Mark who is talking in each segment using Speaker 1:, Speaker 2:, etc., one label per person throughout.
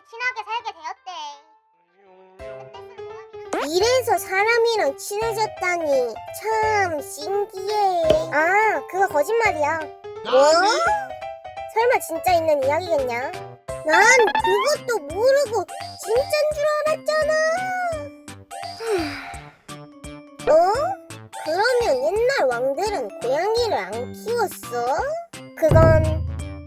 Speaker 1: 친하게 살게 되었대. 이래서 사람이랑 친해졌다니 참 신기해. 아, 그거 거짓말이야. 뭐? 설마 진짜 있는 이야기겠냐? 난 그것도 모르고 진짠 줄 알았잖아. 어? 그러면 옛날 왕들은 고양이를 안 키웠어? 그건...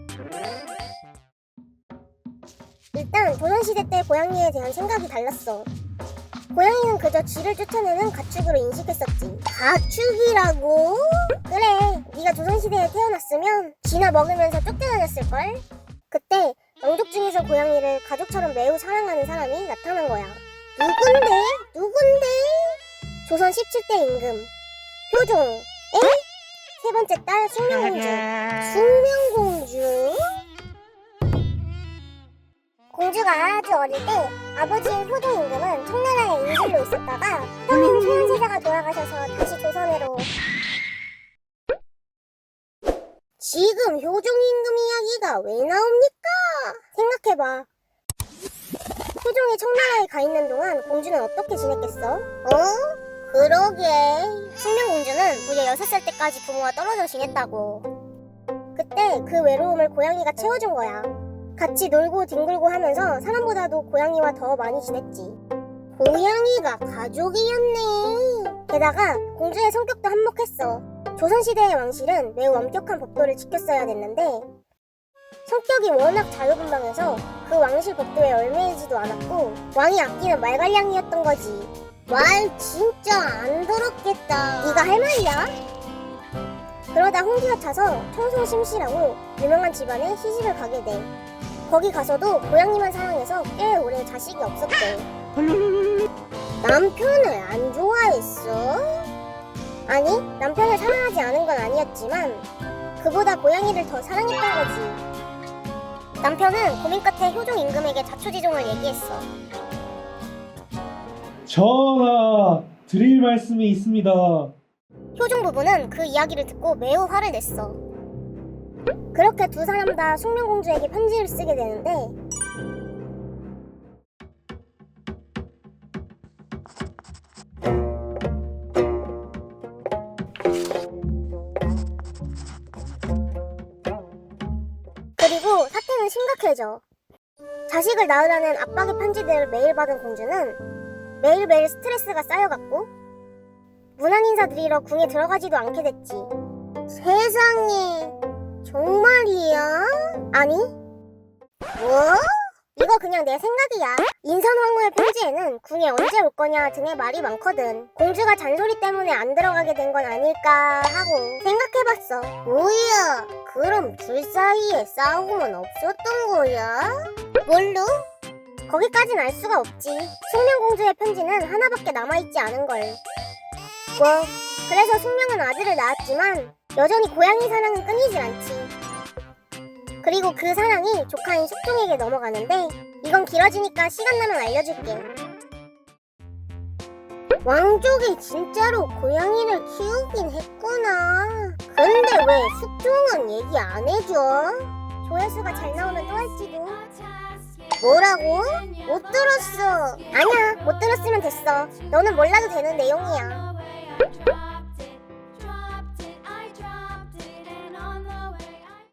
Speaker 1: 일단 조선시대 때 고양이에 대한 생각이 달랐어. 고양이는 그저 쥐를 쫓아내는 가축으로 인식했었지. 가축이라고? 그래, 네가 조선시대에 태어났으면 쥐나 먹으면서 쫓겨다녔을걸? 그때 왕족 중에서 고양이를 가족처럼 매우 사랑하는 사람이 나타난 거야. 누군데? 조선 17대 임금 효종. 에? 세 번째 딸 숙명공주. 숙명공주? 공주가 아주 어릴 때 아버지인 효종 임금은 청나라의 인실로 있었다가 형인 소현세자가 돌아가셔서 다시 조선으로. 지금 효종 임금 이야기가 왜 나옵니까? 생각해봐. 효종이 청나라에 가 있는 동안 공주는 어떻게 지냈겠어? 그러게. 숙명공주는 무려 6살 때까지 부모와 떨어져 지냈다고. 그때 그 외로움을 고양이가 채워준 거야. 같이 놀고 뒹굴고 하면서 사람보다도 고양이와 더 많이 지냈지. 고양이가 가족이었네. 게다가 공주의 성격도 한몫했어. 조선시대의 왕실은 매우 엄격한 법도를 지켰어야 됐는데 성격이 워낙 자유분방해서 그 왕실 법도에 얽매이지도 않았고 왕이 아끼는 말갈량이었던 거지. 말 진짜 안 더럽겠다. 네가 할 말이야? 그러다 홍기가 차서 청송심씨라고 유명한 집안에 시집을 가게 돼. 거기 가서도 고양이만 사랑해서 꽤 오래 자식이 없었대. 남편을 안 좋아했어? 아니, 남편을 사랑하지 않은 건 아니었지만 그보다 고양이를 더 사랑했던 거지. 남편은 고민 끝에 효종 임금에게 자초지종을 얘기했어.
Speaker 2: 전하, 드릴 말씀이 있습니다.
Speaker 1: 효종 부부는 그 이야기를 듣고 매우 화를 냈어. 그렇게 두 사람 다 숙명공주에게 편지를 쓰게 되는데 그리고 사태는 심각해져. 자식을 낳으라는 압박의 편지들을 매일 받은 공주는 매일매일 스트레스가 쌓여갔고 문안 인사 드리러 궁에 들어가지도 않게 됐지. 세상에, 정말이야? 아니? 뭐? 이거 그냥 내 생각이야. 인선황후의 편지에는 궁에 언제 올 거냐 등의 말이 많거든. 공주가 잔소리 때문에 안 들어가게 된 건 아닐까 하고 생각해봤어. 뭐야? 그럼 둘 사이에 싸움은 없었던 거야? 뭘로? 거기까진 알 수가 없지. 숙명공주의 편지는 하나밖에 남아있지 않은걸. 뭐, 그래서 숙명은 아들을 낳았지만 여전히 고양이 사랑은 끊이질 않지. 그리고 그 사랑이 조카인 숙종에게 넘어가는데 이건 길어지니까 시간 나면 알려줄게. 왕족이 진짜로 고양이를 키우긴 했구나. 근데 왜 숙종은 얘기 안 해줘? 조회수가 잘 나오면 또 할지도. 뭐라고? 못 들었어. 아니야, 못 들었으면 됐어. 너는 몰라도 되는 내용이야.